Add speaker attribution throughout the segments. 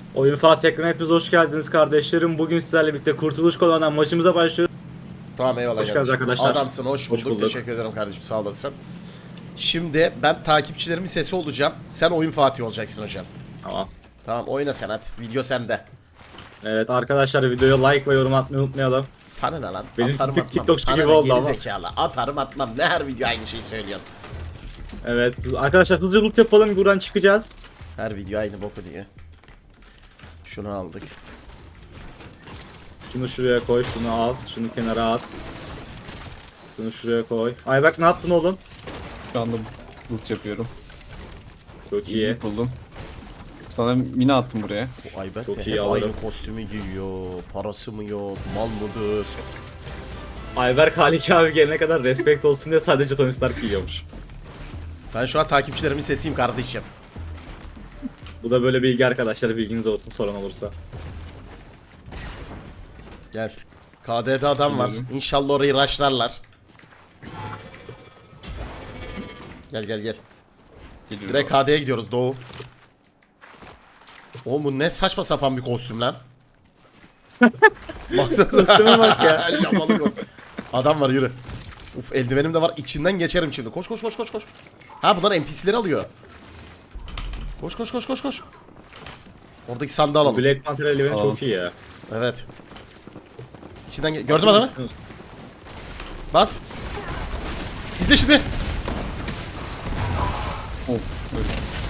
Speaker 1: Oyun Fatih ekranına hepiniz hoş geldiniz kardeşlerim. Bugün sizlerle birlikte Kurtuluş Kolonu'ndan maçımıza başlıyoruz.
Speaker 2: Tamam eyvallah
Speaker 1: Hoş geldiniz
Speaker 2: kardeşim.
Speaker 1: arkadaşlar.
Speaker 2: Adamsın, hoş bulduk.
Speaker 1: bulduk.
Speaker 2: Teşekkür ederim kardeşim, sağ olasın. Şimdi ben takipçilerimin sesi olacağım. Sen oyun Fatih olacaksın hocam.
Speaker 1: Tamam.
Speaker 2: Tamam, oyna sen hadi. Video sende.
Speaker 1: Evet arkadaşlar, videoya like ve yorum atmayı unutmayalım.
Speaker 2: Sana ne lan?
Speaker 1: Benim
Speaker 2: Atarım
Speaker 1: tık-
Speaker 2: atmam.
Speaker 1: TikTok
Speaker 2: Sana
Speaker 1: gibi
Speaker 2: ne
Speaker 1: oldu
Speaker 2: geri
Speaker 1: ama.
Speaker 2: zekalı. Atarım atmam. Ne her video aynı şeyi söylüyorsun.
Speaker 1: Evet arkadaşlar, hızlı loot yapalım, buradan çıkacağız.
Speaker 2: Her video aynı boku diyor. Şunu aldık.
Speaker 1: Şunu şuraya koy, şunu al, şunu kenara at. Şunu şuraya koy. Ay bak, ne yaptın oğlum?
Speaker 3: Şu anda loot yapıyorum.
Speaker 1: Çok iyi.
Speaker 3: İyi buldum. Sana mini attım buraya.
Speaker 2: Bu Ayberk
Speaker 1: Çok
Speaker 2: de
Speaker 1: iyi
Speaker 2: hep
Speaker 1: alırım.
Speaker 2: aynı kostümü giyiyor. Parası mı yok? Mal mıdır?
Speaker 1: Ayberk Haliki abi gelene kadar respect olsun diye sadece Tony Stark giyiyormuş.
Speaker 2: Ben şu an takipçilerimin sesiyim kardeşim.
Speaker 1: Bu da böyle bilgi arkadaşlar, bilginiz olsun soran olursa.
Speaker 2: Gel. KD'de adam var. İnşallah orayı rushlarlar. Gel gel gel.
Speaker 3: Geliyorum.
Speaker 2: Direkt KD'ye gidiyoruz Doğu. Oğlum bu ne saçma sapan bir kostüm lan. Baksanıza.
Speaker 1: Kostüme bak ya.
Speaker 2: Yamalı kostüm. Adam var, yürü. Uf, eldivenim de var, içinden geçerim şimdi. Koş koş koş koş koş. Ha, bunlar NPC'leri alıyor. Koş koş koş koş koş. Oradaki sandığı alalım.
Speaker 1: Black Panther eldiveni
Speaker 3: Alalım.
Speaker 1: çok iyi ya.
Speaker 2: Evet. İçinden gördün mü adamı? Bas. İzle şimdi.
Speaker 3: Oh, böyle.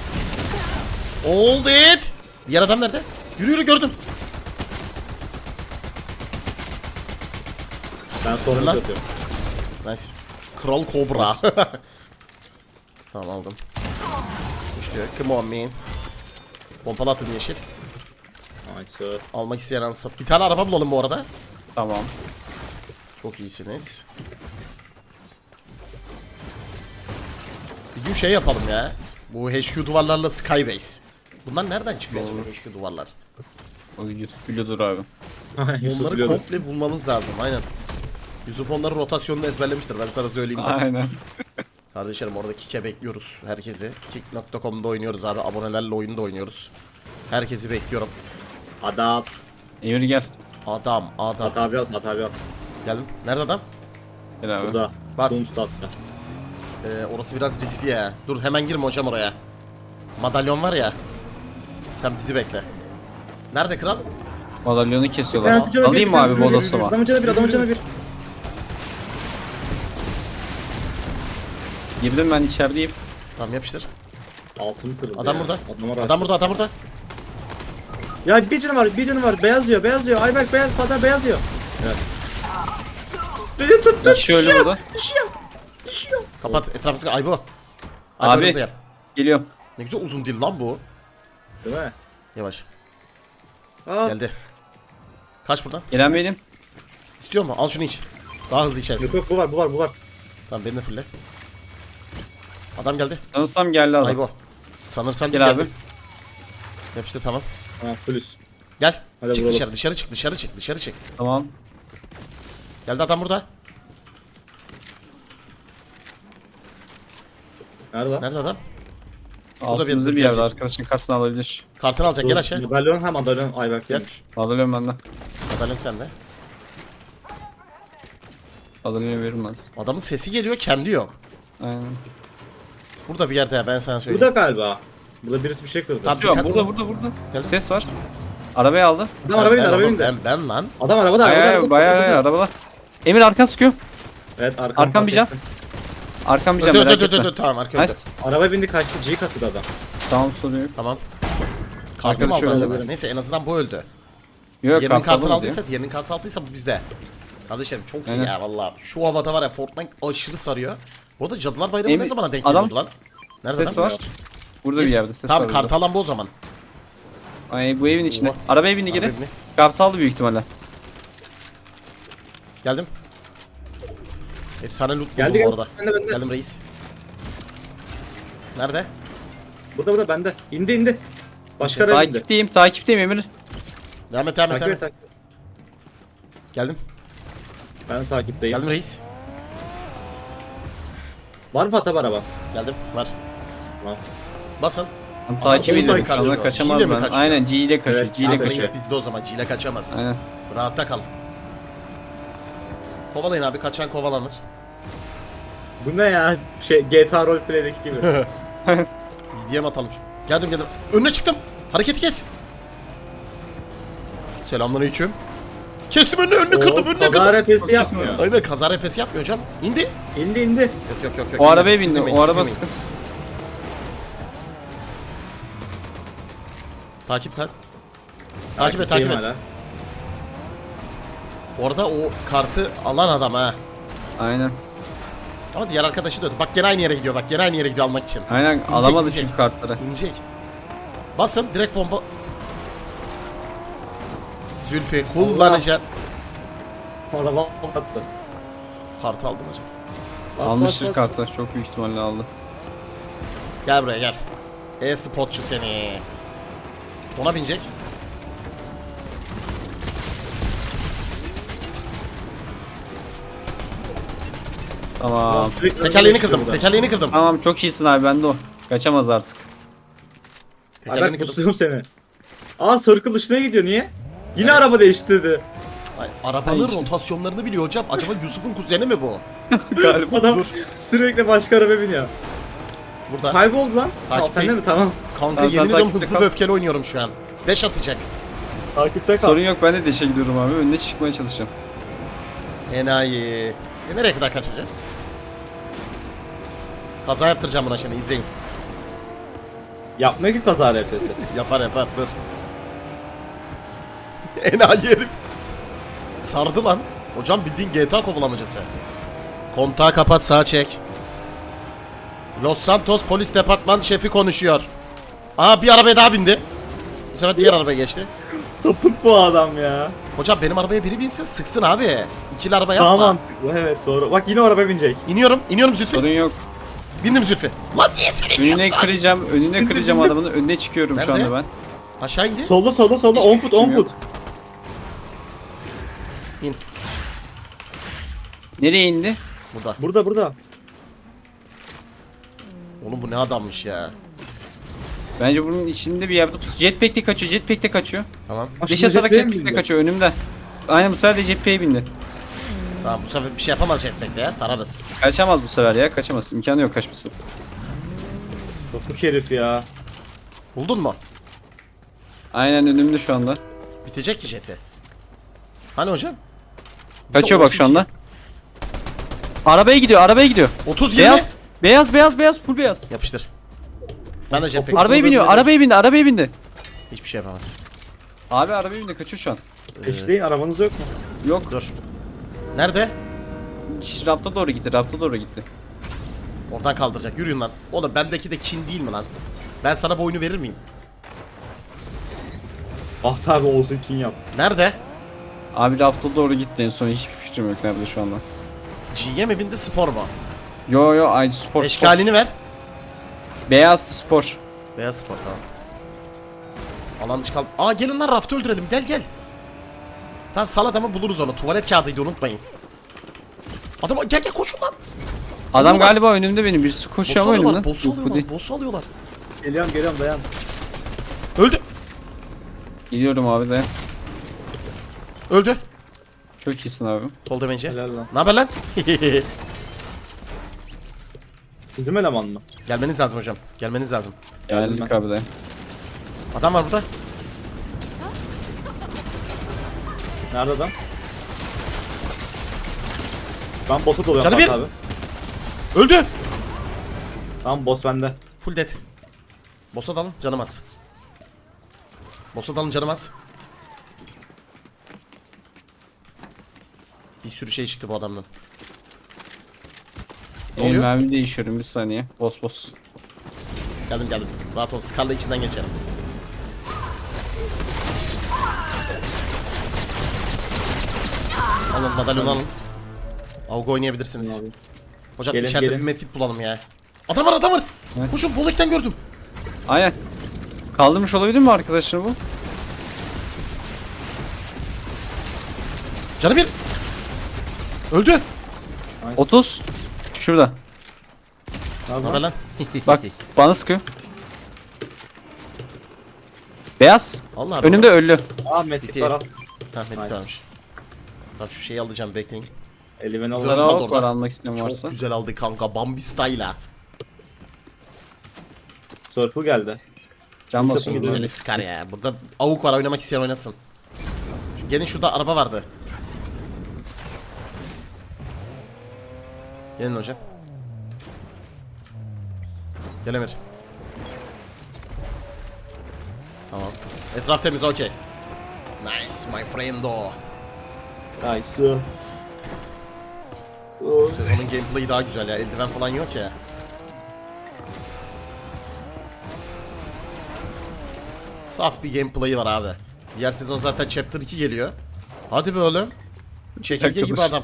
Speaker 2: Hold it. Diğer adam nerede? Yürü yürü, gördüm.
Speaker 1: Ben sonra
Speaker 2: Lan.
Speaker 1: atıyorum.
Speaker 2: Nice. Kral Kobra. Tamam, aldım. İşte come on man. Pompalı attım yeşil.
Speaker 1: Nice.
Speaker 2: Almak isteyen alsın. Bir tane araba bulalım bu arada.
Speaker 3: Tamam.
Speaker 2: Çok iyisiniz. Bir gün şey yapalım ya. Bu HQ duvarlarla Skybase. Bunlar nereden çıkıyor acaba, HQ duvarlar?
Speaker 3: O YouTube biliyordur abi.
Speaker 1: Yusuf
Speaker 2: Onları
Speaker 1: biliyordu.
Speaker 2: komple bulmamız lazım, aynen. Yusuf onların rotasyonunu ezberlemiştir, ben sana söyleyeyim de.
Speaker 3: Aynen.
Speaker 2: Kardeşlerim, orada Kik'e bekliyoruz herkesi. Kik.com'da oynuyoruz abi, abonelerle oyunda oynuyoruz. Herkesi bekliyorum.
Speaker 1: Adam.
Speaker 3: Emir gel.
Speaker 2: Adam.
Speaker 1: At abi at, at abi at.
Speaker 2: Geldim. Nerede adam?
Speaker 3: Gel abi.
Speaker 1: Burada.
Speaker 2: Bas.
Speaker 1: Doomstat'ta.
Speaker 2: Orası biraz riskli ya. Dur, hemen girme hocam oraya. Madalyon var ya. Sen bizi bekle. Nerede kral?
Speaker 3: Madalyonu kesiyorlar.
Speaker 1: Tanesi canı bir,
Speaker 3: Alayım mı
Speaker 1: tanesi
Speaker 3: abi
Speaker 1: canı bir,
Speaker 3: bodoslama?
Speaker 1: Adamın canı bir, adamın canı bir.
Speaker 3: Girdim ben içerideyim.
Speaker 2: Tamam, yapıştır.
Speaker 1: Altın kırıldı
Speaker 2: Adam
Speaker 1: ya.
Speaker 2: burada.
Speaker 1: Adama rahat.
Speaker 2: Adam burada, adam burada.
Speaker 1: Ya bir canı var, bir canı var. Beyaz diyor, beyaz diyor. Ayberk beyaz, Fatih beyaz diyor. Evet. Beni tuttu.
Speaker 3: Şöyle burada.
Speaker 1: Düşüyor.
Speaker 2: Kapat etrafımızı. Ay bu.
Speaker 3: Abi.
Speaker 2: Arkamıza gel.
Speaker 3: Geliyorum.
Speaker 2: Ne güzel uzun dil lan bu.
Speaker 1: Değil mi?
Speaker 2: Yavaş.
Speaker 1: Aa,
Speaker 2: Geldi. Kaç buradan.
Speaker 3: Gelen benim.
Speaker 2: İstiyor mu? Al şunu iç. Daha hızlı içersin.
Speaker 1: yok yok, bu var, bu var, bu var.
Speaker 2: Tamam, beni de fulle. Adam geldi.
Speaker 3: Sanırsam geldi adam.
Speaker 2: Ay bu. Sanırsan
Speaker 3: Gel
Speaker 2: geldi.
Speaker 3: abi.
Speaker 2: Yapıştır, tamam.
Speaker 1: Ha, plus.
Speaker 2: Gel.
Speaker 1: Hadi
Speaker 2: Çık
Speaker 1: vuralım.
Speaker 2: dışarı, dışarı çık, dışarı çık, dışarı çık.
Speaker 3: Tamam.
Speaker 2: Geldi adam burada.
Speaker 1: Nerede lan?
Speaker 2: Nerede adam?
Speaker 3: Altımızda bir
Speaker 2: gelecek.
Speaker 3: yerde arkadaşın karşısına alabilir.
Speaker 2: Kartını alacak, gel aşağı.
Speaker 1: Madalyon, ha madalyon Ayberk
Speaker 2: Gel.
Speaker 1: demiş.
Speaker 3: Madalyon benden.
Speaker 2: Madalyon sende.
Speaker 3: Madalyonu verilmez.
Speaker 2: Adamın sesi geliyor, kendi yok.
Speaker 3: Aynen.
Speaker 2: Burada bir yerde ya, ben sana
Speaker 1: Bu
Speaker 2: söyleyeyim.
Speaker 1: da galiba. Burada birisi bir şey kırdı.
Speaker 2: Tamam.
Speaker 3: Yok,
Speaker 2: Dikkat
Speaker 3: burada
Speaker 2: ol.
Speaker 3: burada.
Speaker 2: Geldim.
Speaker 3: Ses var. Arabayı aldı.
Speaker 1: Adam arabaya bindi,
Speaker 2: ben,
Speaker 1: arabaya
Speaker 2: oğlum,
Speaker 1: bindi.
Speaker 2: ben lan.
Speaker 1: Adam arabada, arabada.
Speaker 3: Bayağı arabada. Emir arkan sıkıyor.
Speaker 1: Evet,
Speaker 3: Arkam bir can. Arkam bir can,
Speaker 2: Dur
Speaker 3: merak
Speaker 2: dur
Speaker 3: etme.
Speaker 2: dur dur, tamam, arka
Speaker 3: Nice.
Speaker 2: öldü.
Speaker 1: Araba bindi, kaçtı. G kasıdı adam.
Speaker 3: Tamam, sorun yok.
Speaker 2: Tamam. Kartı mı
Speaker 3: Arkadaşı
Speaker 2: aldı
Speaker 3: öldü.
Speaker 2: acaba? Neyse, en azından bu öldü.
Speaker 3: Yok,
Speaker 2: Diğerinin kartını
Speaker 3: kartını
Speaker 2: aldıysa, diğerinin kartı aldıysa bu bizde. Kardeşlerim çok iyi
Speaker 3: Aynen.
Speaker 2: ya valla. Şu havada var ya, Fortnite aşırı sarıyor. Bu arada Cadılar Bayramı
Speaker 3: Emir,
Speaker 2: ne zamana denk
Speaker 3: adam-
Speaker 2: geliyordu lan? Nerede
Speaker 3: Ses
Speaker 2: adam?
Speaker 3: var. Burada bir
Speaker 2: Geç.
Speaker 3: yerde ses
Speaker 2: Tamam,
Speaker 3: var.
Speaker 2: kartı alan bu o zaman.
Speaker 3: Ay, bu evin içinde.
Speaker 2: Allah.
Speaker 3: Arabaya bindi geri.
Speaker 2: Arabaya bindi.
Speaker 3: Kartı aldı büyük ihtimalle.
Speaker 2: Geldim. Efsane loot buldum
Speaker 1: Geldi,
Speaker 2: bu
Speaker 1: geldi.
Speaker 2: arada.
Speaker 1: Bende.
Speaker 2: Geldim reis. Nerede?
Speaker 1: Burada bende. İndi indi. Başka araba indi.
Speaker 3: Takipteyim Emir.
Speaker 2: Devam et, devam et,
Speaker 1: Takip
Speaker 2: devam
Speaker 1: et,
Speaker 2: et.
Speaker 1: takip et.
Speaker 2: Geldim.
Speaker 1: Ben takipteyim.
Speaker 2: Geldim reis.
Speaker 1: Var mı Fatih araba?
Speaker 2: Geldim. Var.
Speaker 1: Tamam.
Speaker 2: Basın.
Speaker 3: Takip
Speaker 2: Adam
Speaker 3: ediyorum şu
Speaker 2: kaçıyor.
Speaker 3: anda, kaçamaz
Speaker 2: G ile mi
Speaker 3: ben.
Speaker 2: kaçıyor?
Speaker 3: Aynen G ile kaçıyor,
Speaker 1: Evet,
Speaker 3: G ile
Speaker 1: abi,
Speaker 3: kaçıyor.
Speaker 2: Reis bizde o zaman. G ile kaçamaz.
Speaker 3: Aynen.
Speaker 2: Rahatta kal. Kovalayın abi, kaçan kovalanır.
Speaker 1: Bu ne ya? GTA roleplay'deki gibi.
Speaker 2: BDM atalım. Geldim. Önüne çıktım. Hareketi kes. Selamünaleyküm. Kestim önünü kırdım, önüne
Speaker 1: Kaza
Speaker 2: kırdım.
Speaker 1: repesi yapmıyor.
Speaker 2: Aynen, kaza repesi yapmıyor hocam. İndi.
Speaker 1: İndi.
Speaker 2: Yok.
Speaker 3: O arabaya
Speaker 2: Siz
Speaker 3: bindi,
Speaker 2: inmeyin,
Speaker 3: o
Speaker 2: siz
Speaker 3: araba
Speaker 2: inmeyin.
Speaker 3: sıkıntı.
Speaker 2: Takip et. Takip et.
Speaker 1: Hala.
Speaker 2: Orada o kartı alan adam ha.
Speaker 3: Aynen.
Speaker 2: Ama diğer arkadaşı da bak gene aynı yere gidiyor, almak için.
Speaker 3: Aynen alamadık
Speaker 2: inecek.
Speaker 3: çünkü kartları.
Speaker 2: İnecek. Basın direkt bomba. Zülfü kullanacak.
Speaker 1: Araba attı.
Speaker 2: Kartı aldım hocam.
Speaker 3: Almıştır kartı, çok büyük ihtimalle aldı.
Speaker 2: Gel buraya gel. E-spotçu seni. Ona binecek.
Speaker 3: Tamam.
Speaker 2: Tekerleğini kırdım.
Speaker 3: Tamam, çok iyisin abi, bende o. Kaçamaz artık.
Speaker 2: Tekerleğini
Speaker 1: Ben
Speaker 2: kırdım.
Speaker 1: pusuyorum seni. Aa circle dışına gidiyor, niye? Yine araba değiştirdi.
Speaker 2: Ay, arabanın
Speaker 3: Ay.
Speaker 2: rotasyonlarını biliyor hocam. Acaba Yusuf'un kuzeni mi bu?
Speaker 3: Galiba.
Speaker 1: Adam
Speaker 2: Dur.
Speaker 1: sürekli başka araba biniyor.
Speaker 2: Burada.
Speaker 1: Kayboldu lan.
Speaker 2: Takip
Speaker 1: Sen de mi? Tamam.
Speaker 2: Kanka
Speaker 3: Tamam, sen
Speaker 2: yemin ediyorum
Speaker 3: takipte
Speaker 2: hızlı
Speaker 3: kal.
Speaker 2: ve öfkeli oynuyorum şu an. Deş atacak.
Speaker 1: Takipte kal.
Speaker 3: Sorun yok, ben de deşe gidiyorum abi. Önüne çıkmaya çalışacağım.
Speaker 2: Enayi. Nereye kadar kaçacak? Kaza yaptıracağım buna şimdi, izleyin.
Speaker 1: Yapmıyor ki kaza repesi.
Speaker 2: Yapar dur. Enayi herif. Sardı lan. Hocam bildiğin GTA kovalamacası. Kontağı kapat, sağa çek. Los Santos Polis Departman şefi konuşuyor. Aa, bir arabaya daha bindi. Bu sefer diğer arabaya geçti.
Speaker 1: Sapık bu adam ya.
Speaker 2: Hocam benim arabaya biri binsin, sıksın abi. İkili araba yapma.
Speaker 1: Tamam. Evet doğru. Bak yine o araba binecek.
Speaker 2: İniyorum Zülfü.
Speaker 3: Sorun yok.
Speaker 2: Bindim Zülfü. Lan niye seni
Speaker 3: Önüne
Speaker 2: iniyorsun?
Speaker 3: kıracağım adamını. Önüne çıkıyorum şu
Speaker 2: Nerede?
Speaker 3: anda ben.
Speaker 2: Aşağı indi.
Speaker 1: Solda 10 foot 10
Speaker 3: fikrim yok.
Speaker 1: foot.
Speaker 2: İn.
Speaker 3: Nereye indi?
Speaker 2: Burada.
Speaker 1: Burada.
Speaker 2: Oğlum bu ne adammış ya.
Speaker 3: Bence bunun içinde bir yerde jetpack'te kaçıyor.
Speaker 2: Tamam.
Speaker 3: Deş atarak jetpack'te kaçıyor önümde. Aynen, bu sefer de jetpack'e bindi.
Speaker 2: Tamam, bu sefer bir şey yapamaz jetpack'te ya. Tararız.
Speaker 3: Kaçamaz bu sefer ya, kaçamaz. İmkanı yok kaçması.
Speaker 1: Sapık herif ya.
Speaker 2: Buldun mu?
Speaker 3: Aynen önümde şu anda.
Speaker 2: Bitecek ki jeti. Hani hocam?
Speaker 3: Kaçıyor bak şu anda. Arabaya gidiyor.
Speaker 2: 30 20.
Speaker 3: Beyaz, full beyaz.
Speaker 2: Yapıştır. Ben de jetpack.
Speaker 3: Arabaya biniyor, arabaya bindi.
Speaker 2: Hiçbir şey yapamaz.
Speaker 3: Abi arabaya bindi, kaçıyor şu an.
Speaker 1: Eşleyin, arabanız yok mu?
Speaker 3: Yok,
Speaker 2: Dur. Nerede?
Speaker 3: rafta doğru gitti.
Speaker 2: Oradan kaldıracak. Yürüyün lan. Oğlum bendeki de kin değil mi lan? Ben sana bu oyunu verir miyim?
Speaker 1: Ah tabi olsun kin yap.
Speaker 2: Nerede?
Speaker 3: Abi rafta doğru gitti en son, hiçbir fikrim yok nerede şu anda.
Speaker 2: G'ye mi bindi, spor mu?
Speaker 3: Yo, aynı spor.
Speaker 2: Eşkalini ver.
Speaker 3: Beyaz spor.
Speaker 2: Beyaz spor, tamam. Alan dışı kaldı. Aa, gelin lan, raftı öldürelim. Gel. Tamam, sal adamı, buluruz onu. Tuvalet kağıdıydı, unutmayın. Adam gel koşun lan.
Speaker 3: Adam
Speaker 2: Alıyorlar.
Speaker 3: galiba önümde benim, birisi koşuyor ama önümden.
Speaker 2: Boss'u alıyorlar.
Speaker 1: Geliyorum dayan.
Speaker 2: Öldü.
Speaker 3: Gidiyorum abi de.
Speaker 2: Öldü.
Speaker 3: Çok iyisin abi.
Speaker 2: Sol demeyince.
Speaker 1: Helal lan.
Speaker 2: Ne haber lan?
Speaker 1: Bizim eleman mı?
Speaker 2: Gelmeniz lazım hocam. Gelmeniz lazım.
Speaker 3: Geldik abi de.
Speaker 2: Adam var burada.
Speaker 1: Nerede adam? Ben boss'a doluyorum
Speaker 2: Canı bir.
Speaker 1: Fatih abi.
Speaker 2: Öldü.
Speaker 1: Tamam boss bende.
Speaker 2: Full dead. Boss'a dalın, canım az. Boss'a dalın, canım az. Bir sürü şey çıktı bu adamdan. Ne
Speaker 3: Benim
Speaker 2: oluyor?
Speaker 3: mermi değişiyorum, bir saniye. Boss.
Speaker 2: Geldim. Rahat ol. Scar'la içinden geçerim. Alın, madalyonu alın. Avga oynayabilirsiniz.
Speaker 1: Abi.
Speaker 2: Hocam
Speaker 1: Gelin,
Speaker 2: içeride
Speaker 1: gelin.
Speaker 2: bir medkit bulalım ya. Adam var.
Speaker 3: Evet.
Speaker 2: Koşun, Volek'ten gördüm.
Speaker 3: Aynen. Kaldırmış olabilir mi arkadaşlar bu?
Speaker 2: Canı bir. Öldü.
Speaker 1: Nice.
Speaker 3: 30. Şurada.
Speaker 1: Ne
Speaker 2: Ne haber
Speaker 1: yapalım?
Speaker 2: lan?
Speaker 3: Bak bana sıkıyor. Beyaz.
Speaker 2: Allah
Speaker 3: Önümde ölü.
Speaker 1: Aa medkit
Speaker 2: Bitti.
Speaker 1: var al.
Speaker 2: Ha medkit varmış. Tamam şu şeyi alacağım bekleyin.
Speaker 1: Eldiveni al.
Speaker 2: Zırh
Speaker 3: Sarı
Speaker 2: aldı
Speaker 3: ok var
Speaker 2: orada.
Speaker 3: almak isteyen
Speaker 2: Çok
Speaker 3: varsa.
Speaker 2: güzel aldı kanka Bambi style'a.
Speaker 1: Circle geldi.
Speaker 3: Can
Speaker 1: Çok
Speaker 3: basıyor.
Speaker 1: güzel.
Speaker 2: Güzel Scar ya. Burada avuk var oynamak isteyen oynasın. Gelin şurada araba vardı. Gelin hocam. Gel Emir. Tamam. Etraf temiz okey. Nice my friendo.
Speaker 1: Nice.
Speaker 2: Bu sezonun gameplay'i daha güzel ya. Eldiven falan yok ya. Saf bir gameplay'i var abi. Diğer sezon zaten Chapter 2 geliyor. Hadi be oğlum. Çekirge gibi adam.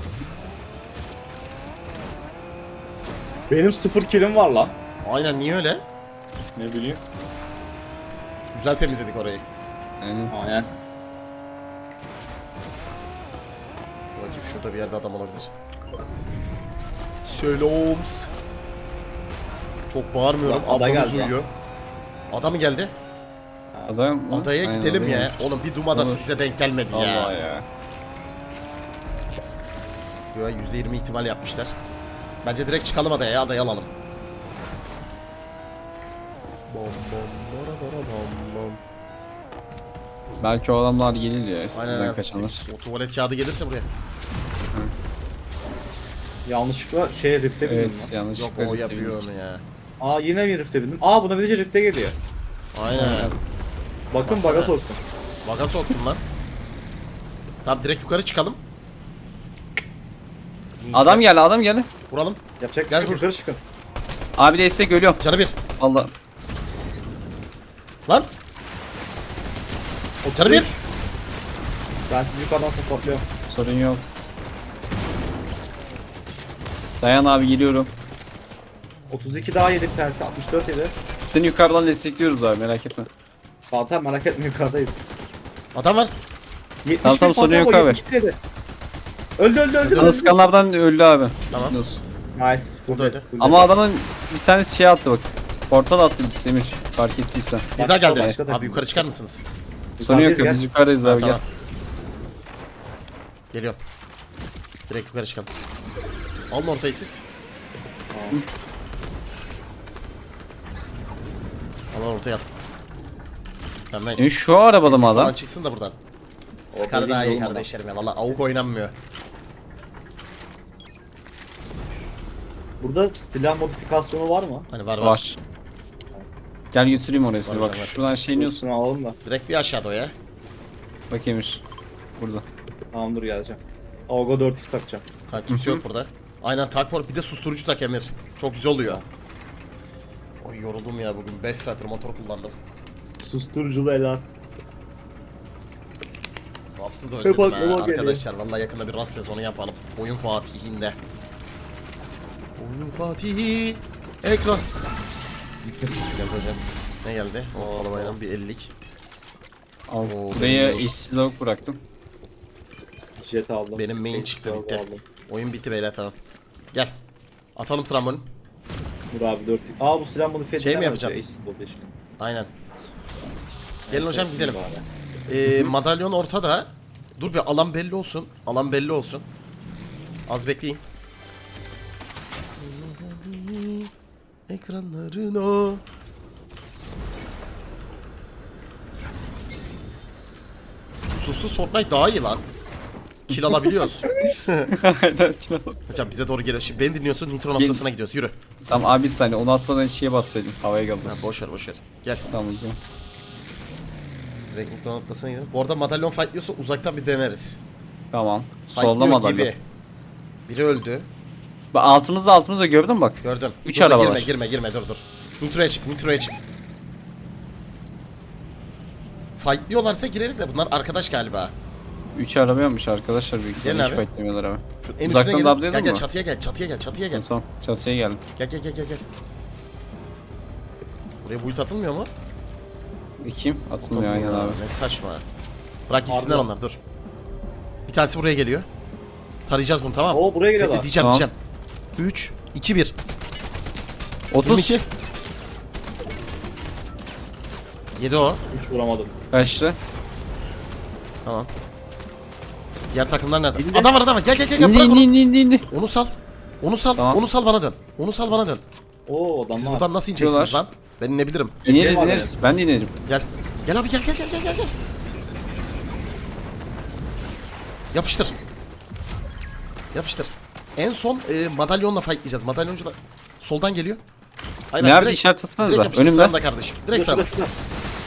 Speaker 1: Benim 0 killim var lan.
Speaker 2: Aynen niye öyle?
Speaker 1: Ne bileyim.
Speaker 2: Güzel temizledik orayı.
Speaker 3: Aynen.
Speaker 1: Aynen.
Speaker 2: Bakayım şurada bir yerde adam olabilir. Seloms. Çok bağırmıyorum.
Speaker 1: Ada
Speaker 2: Ablamız
Speaker 1: geldi
Speaker 2: uyuyor. Ada mı geldi?
Speaker 3: Adam mı?
Speaker 2: Adaya
Speaker 3: Aynen,
Speaker 2: gidelim
Speaker 3: adaya.
Speaker 2: ya. Oğlum bir Doom adası
Speaker 3: Olur.
Speaker 2: bize denk gelmedi
Speaker 3: Allah
Speaker 2: ya.
Speaker 3: ya.
Speaker 2: Yo, %20 ihtimal yapmışlar. Bence direkt çıkalım adaya ya. Adayı alalım. Bom bom bara bara bom bom.
Speaker 3: Belki o adamlar gelir ya.
Speaker 2: Aynen
Speaker 3: Bizden
Speaker 2: aynen.
Speaker 3: kaçanlar.
Speaker 2: O tuvalet kağıdı gelirse buraya.
Speaker 1: Yanlışlıkla Rift'e bindim
Speaker 3: Evet
Speaker 1: lan.
Speaker 3: yanlış.
Speaker 2: Yok o yapıyor onu ya.
Speaker 1: Aa yine bir Rift'e bindim. Aa buna bir de Rift'e geliyor.
Speaker 2: Aynen.
Speaker 1: Bakın
Speaker 2: Baksana.
Speaker 1: baga soktum.
Speaker 2: Baga soktum lan. Tamam direkt yukarı çıkalım.
Speaker 3: Adam geldi adam geldi.
Speaker 2: Vuralım.
Speaker 1: Yapacak bir
Speaker 2: Gel
Speaker 1: şey yok,
Speaker 2: vur.
Speaker 1: yukarı çıkın.
Speaker 3: Abi destek ölüyorum.
Speaker 2: Canı bir.
Speaker 3: Allah.
Speaker 2: Lan. Canı bir.
Speaker 1: Ben sizi yukarıdan supportluyorum.
Speaker 3: Sorun yok. Dayan abi geliyorum.
Speaker 1: 32 daha yedik tanesi 64 yedi.
Speaker 3: Seni yukarıdan destekliyoruz abi merak etme.
Speaker 1: Fatih merak etme yukarıdayız.
Speaker 2: Adam var.
Speaker 1: 71
Speaker 3: Tamam, tamam, sorun
Speaker 1: Fatih
Speaker 3: yok
Speaker 1: o,
Speaker 3: abi.
Speaker 1: 71 yedi. Öldü.
Speaker 3: Kanıskanlardan öldü abi.
Speaker 2: Tamam.
Speaker 3: Biliyorsun.
Speaker 1: Nice.
Speaker 2: O da öyle.
Speaker 3: Ama adamın bir tanesi şey attı bak. Portal attı bir Semir. Fark ettiysen.
Speaker 2: Bir daha geldi.
Speaker 1: Başka da-
Speaker 2: Abi yukarı çıkar mısınız?
Speaker 3: Sorun yok
Speaker 1: Yukarıdayız,
Speaker 3: ya
Speaker 1: gel.
Speaker 3: biz yukarıdayız
Speaker 2: Ha,
Speaker 3: abi
Speaker 2: tamam.
Speaker 3: gel.
Speaker 2: Geliyorum. Direkt yukarı çıkalım. Alın ortayı siz. Alın ortaya at. Tamam nice.
Speaker 3: Şu arabada mı
Speaker 2: Falan
Speaker 3: adam?
Speaker 2: çıksın da buradan.
Speaker 1: Orada
Speaker 2: Scar
Speaker 1: değil
Speaker 2: daha iyi
Speaker 1: oğlum adam.
Speaker 2: kardeşlerim ya. Valla avuk oynanmıyor.
Speaker 1: Burada silah modifikasyonu var mı?
Speaker 2: Hani var.
Speaker 3: Var. Gel götüreyim oraya seni
Speaker 2: Var,
Speaker 3: bak.
Speaker 2: var.
Speaker 3: Şuradan şey iniyorsun.
Speaker 1: Şunu alalım da.
Speaker 2: Direkt bir aşağıda o ya.
Speaker 3: Bak Emir. Burada.
Speaker 1: Tamam dur geleceğim. Avga 4x takacağım.
Speaker 2: Tamam kimse yok burada. Aynen tak var. Bir de susturucu tak Emir. Çok güzel oluyor. Oy yoruldum ya bugün. 5 saattir motor kullandım.
Speaker 1: Susturuculu elan.
Speaker 2: Rust'ı da
Speaker 1: Hep
Speaker 2: özledim
Speaker 1: aklıma
Speaker 2: ha
Speaker 1: geliyor.
Speaker 2: arkadaşlar. Vallahi yakında bir Rust sezonu yapalım. Oyun Fatih'inde. Oyun Fatih'i. Ekran. Gel hocam. Ne geldi? O alabayla bir 50'lik.
Speaker 3: Al.
Speaker 2: Oo,
Speaker 3: Buraya
Speaker 2: benim-
Speaker 3: eşsiz avuk bıraktım.
Speaker 1: Jet aldım.
Speaker 2: Benim main
Speaker 1: Eksi
Speaker 2: çıktı
Speaker 1: avga
Speaker 2: bitti.
Speaker 1: aldım.
Speaker 2: Oyun bitti beyler tamam. Gel. Atalım trambolin.
Speaker 1: Dur abi 4x. Aa bu silah modifiye
Speaker 2: Şey mi
Speaker 1: edilemez
Speaker 2: yapacağım?
Speaker 1: ya, eşsiz oldu işte.
Speaker 2: Aynen. Gelin
Speaker 1: Neyse,
Speaker 2: hocam gidelim.
Speaker 1: bari.
Speaker 2: Madalyon ortada. Dur bir alan belli olsun. Alan belli olsun. Az bekleyin. Ekranların o. Yusufsuz Fortnite daha iyi lan. Kill alabiliyoruz.
Speaker 3: Aynen.
Speaker 2: Hocam bize doğru geliyor. Şimdi beni dinliyorsun. Nitro noktasına gidiyoruz. Yürü.
Speaker 3: Tamam abi bir saniye onu atmadan şeye bassaydın. Havaya
Speaker 2: Ha,
Speaker 3: gazlasın.
Speaker 2: boş ver boş ver. Gel.
Speaker 3: Tamam o zaman.
Speaker 2: Direkt Nitro noktasına gidelim. Bu arada madalyon fightlıyorsa uzaktan bir deneriz.
Speaker 3: Tamam.
Speaker 2: Fightlıyor
Speaker 3: Solda mı adam?
Speaker 2: gibi. Biri öldü.
Speaker 3: Bak altımızda gördün mü bak.
Speaker 2: Gördüm.
Speaker 3: Üç
Speaker 2: Dur, dur,
Speaker 3: araba
Speaker 2: girme,
Speaker 3: var.
Speaker 2: girme dur. Nitro'ya çık. Fightlıyorlarsa gireriz de bunlar arkadaş galiba.
Speaker 3: 3 araba yapmış arkadaşlar büyük
Speaker 2: Gelin
Speaker 3: ihtimalle hiç
Speaker 2: abi.
Speaker 3: beklemiyorlar abi.
Speaker 2: Şu en
Speaker 3: Uzaktan
Speaker 2: üstüne
Speaker 3: da
Speaker 2: gelin.
Speaker 3: atlayalım
Speaker 2: Gel
Speaker 3: mı?
Speaker 2: çatıya gel.
Speaker 3: Tamam çatıya geldim.
Speaker 2: Gel. Buraya bulut atılmıyor mu?
Speaker 3: Kim? Atılmıyor aynen abi.
Speaker 2: Ne saçma. Bırak gitsinler
Speaker 1: Abi.
Speaker 2: onlar dur. Bir tanesi buraya geliyor. Tarayacağız bunu tamam.
Speaker 1: Oo buraya geliyorlar.
Speaker 2: Diyeceğim.
Speaker 3: Tamam.
Speaker 2: 3, 2, 1.
Speaker 3: 30.
Speaker 2: 22. Yedi o.
Speaker 1: Hiç vuramadım.
Speaker 3: Kaçtı.
Speaker 2: Tamam. Diğer takımlar nerede?
Speaker 1: İndi.
Speaker 2: Adam var adam var. Gel gel gel
Speaker 3: İndi
Speaker 2: bırak onu.
Speaker 3: indi.
Speaker 2: Onu sal. Onu sal.
Speaker 3: Tamam.
Speaker 2: Onu sal bana dön. Onu sal bana dön.
Speaker 1: Oo
Speaker 2: Siz
Speaker 1: adamlar.
Speaker 2: buradan nasıl ineceksiniz
Speaker 3: Diyorlar.
Speaker 2: lan? Ben inebilirim.
Speaker 3: İneriz
Speaker 1: Gel
Speaker 3: ineriz. Ben de inerim.
Speaker 2: Gel. Gel abi gel gel gel gel gel. Yapıştır. Yapıştır. En son madalyonla fightlayacağız. Madalyoncu da soldan geliyor. Aynen,
Speaker 3: Nerede
Speaker 2: direkt-
Speaker 3: işaret atsanıza.
Speaker 2: Direkt yapıştır.
Speaker 3: Önümde.
Speaker 2: Sağında kardeşim. Direkt
Speaker 1: Şurada,
Speaker 2: sağda.
Speaker 1: şurada.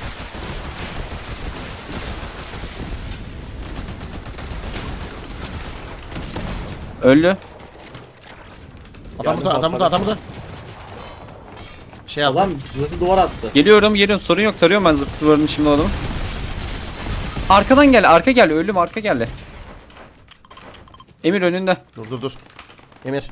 Speaker 3: Öldü.
Speaker 2: Adam burada, adam burada, adam burada. Şey aldı.
Speaker 1: Adam zırhlı duvar attı.
Speaker 3: Geliyorum sorun yok. Tarıyorum ben zıp duvarını şimdi o adamı. Arkadan gel arka gel. Öldüm arka geldi. Emir önünde.
Speaker 2: Dur. Emir.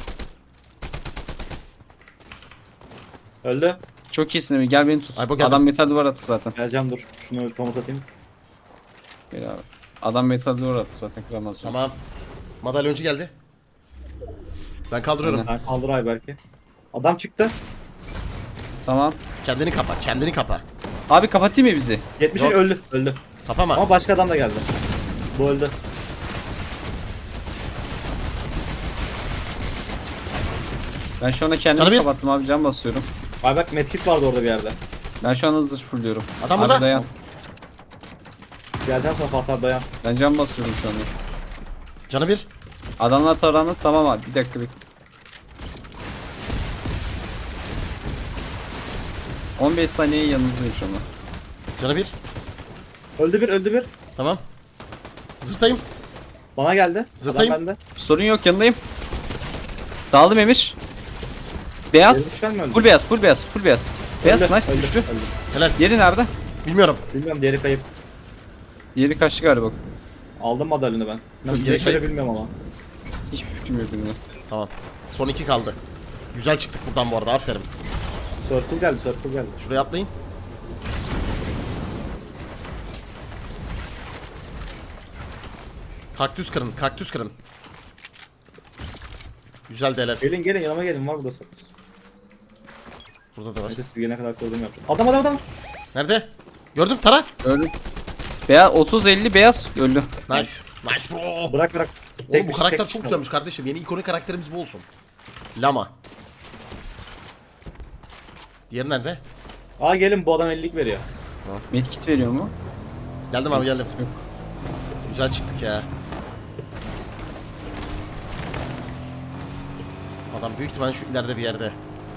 Speaker 1: Öldü.
Speaker 3: Çok iyisin Emir gel beni tut.
Speaker 2: Ay, bu geldi.
Speaker 3: Adam metal duvar attı zaten.
Speaker 1: Geleceğim dur. Şunu bir komut atayım.
Speaker 3: Gel abi. Adam metal duvar attı zaten kıramaz.
Speaker 2: Tamam. Madalyoncu geldi. Ben kaldırıyorum.
Speaker 3: Aynen.
Speaker 1: Ben kaldır Ayberk'i. Adam çıktı.
Speaker 3: Tamam.
Speaker 2: Kendini kapa, kendini kapa.
Speaker 3: Abi kapatayım mı bizi?
Speaker 1: 70
Speaker 3: Yok.
Speaker 1: öldü. Öldü.
Speaker 2: Kapama.
Speaker 1: Ama başka adam da geldi. Bu öldü.
Speaker 3: Ben şu anda kendimi
Speaker 2: Canı bir.
Speaker 3: kapattım abi cam basıyorum.
Speaker 1: Ayberk medkit vardı orada bir yerde.
Speaker 3: Ben şu an hızlı fulluyorum.
Speaker 2: Adam
Speaker 3: abi
Speaker 2: burada.
Speaker 3: dayan.
Speaker 1: Geleceğim sana Fatih abi dayan.
Speaker 3: Ben cam basıyorum şu anda.
Speaker 2: Canı bir.
Speaker 3: Adamlar taranı tamam abi bir dakika bekle. 15 saniye yanınızdayım şu anda.
Speaker 2: Canı bir.
Speaker 1: Öldü bir öldü bir.
Speaker 2: Tamam. Zırtayım.
Speaker 1: Bana geldi.
Speaker 2: Zırtayım.
Speaker 1: Adam bende.
Speaker 3: Sorun yok yanındayım. Dağıldım Emir. Beyaz.
Speaker 1: Geri düşen mi öldü?
Speaker 3: Full beyaz, full beyaz, full beyaz. Beyaz
Speaker 1: Öldü,
Speaker 3: nice
Speaker 1: öldü,
Speaker 3: düştü.
Speaker 1: öldü.
Speaker 2: Helal.
Speaker 3: Diğeri nerede?
Speaker 2: Bilmiyorum.
Speaker 1: Bilmiyorum diğeri kayıp.
Speaker 3: Diğeri kaçtı galiba.
Speaker 1: Aldım madalyonu ben.
Speaker 2: Diğeri
Speaker 1: Diğeri
Speaker 2: kayıp.
Speaker 1: bilmiyorum ama.
Speaker 3: Hiçbir fikrim yok benim de.
Speaker 2: Tamam. Son 2 kaldı. Güzel çıktık buradan bu arada. Aferin.
Speaker 1: Circle geldi circle geldi.
Speaker 2: Şuraya atlayın. Kaktüs kırın, kaktüs kırın. Güzel değerler.
Speaker 1: Gelin gelin yanıma gelin var burada circle.
Speaker 2: Burada da var.
Speaker 1: Hadi siz gelene kadar koruduğumu yapacağım. Adam.
Speaker 2: Nerede? Gördüm, tara.
Speaker 3: Öldü. Beyaz 30-50 beyaz öldü.
Speaker 2: Nice. Nice bro.
Speaker 1: Bırak.
Speaker 2: Oğlum
Speaker 1: Tek
Speaker 2: bu
Speaker 1: bir-
Speaker 2: karakter
Speaker 1: tek
Speaker 2: çok
Speaker 1: bir-
Speaker 2: güzelmiş kardeşim. Yeni ikonik karakterimiz bu olsun. Lama. Diğeri nerede?
Speaker 1: Aa gelin bu adam 50'lik veriyor.
Speaker 3: Medkit veriyor mu?
Speaker 2: Geldim abi geldim.
Speaker 3: Yok.
Speaker 2: Güzel çıktık ya. Adam büyük ihtimalle şu ileride bir yerde.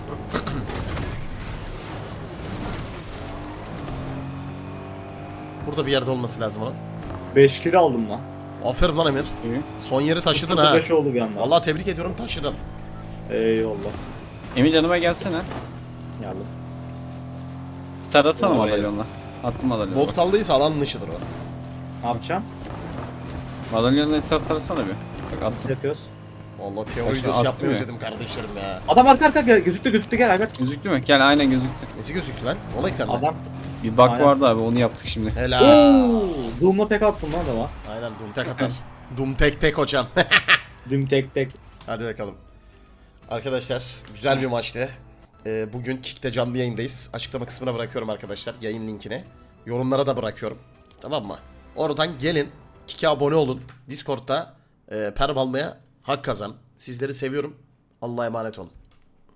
Speaker 2: Burada bir yerde olması lazım onun.
Speaker 1: 5 kilo aldım lan.
Speaker 2: Aferin lan Emir.
Speaker 3: İyi.
Speaker 2: Son yeri taşıdın ha.
Speaker 1: 5 oldu bir anda.
Speaker 2: Vallahi tebrik ediyorum, taşıdın.
Speaker 1: Eyvallah.
Speaker 3: Emir yanıma gelsene.
Speaker 1: Geldim.
Speaker 3: Tarasana
Speaker 1: Vallahi.
Speaker 3: madalyonla. Attım madalyonu.
Speaker 2: Volt kaldıysa alan dışıdır o.
Speaker 1: Ne yapacağım?
Speaker 3: Madalyonla etraf tarasana bir. Bak
Speaker 1: Nasıl
Speaker 3: attım.
Speaker 1: yapıyoruz?
Speaker 2: Vallahi teori
Speaker 3: Başka
Speaker 2: videosu
Speaker 3: attı
Speaker 2: yapmayı
Speaker 3: mı?
Speaker 2: özledim kardeşlerim ya.
Speaker 1: Adam arka gözüktü gel Albert.
Speaker 3: Gözüktü mü? Gel aynen gözüktü.
Speaker 2: Nesi gözüktü lan? Olay ekranı.
Speaker 1: Adam.
Speaker 3: Bir bug
Speaker 1: Aynen.
Speaker 3: vardı abi onu yaptık şimdi.
Speaker 2: Helal.
Speaker 1: Doom'la tek attım lan adama.
Speaker 2: Aynen Doom tek atar. Doom tek hocam.
Speaker 1: Doom tek.
Speaker 2: Hadi bakalım. Arkadaşlar güzel bir maçtı. Bugün Kick'te canlı yayındayız. Açıklama kısmına bırakıyorum arkadaşlar yayın linkini. Yorumlara da bırakıyorum. Tamam mı? Oradan gelin. Kick'e abone olun. Discord'da perm almaya hak kazan. Sizleri seviyorum. Allah'a emanet olun.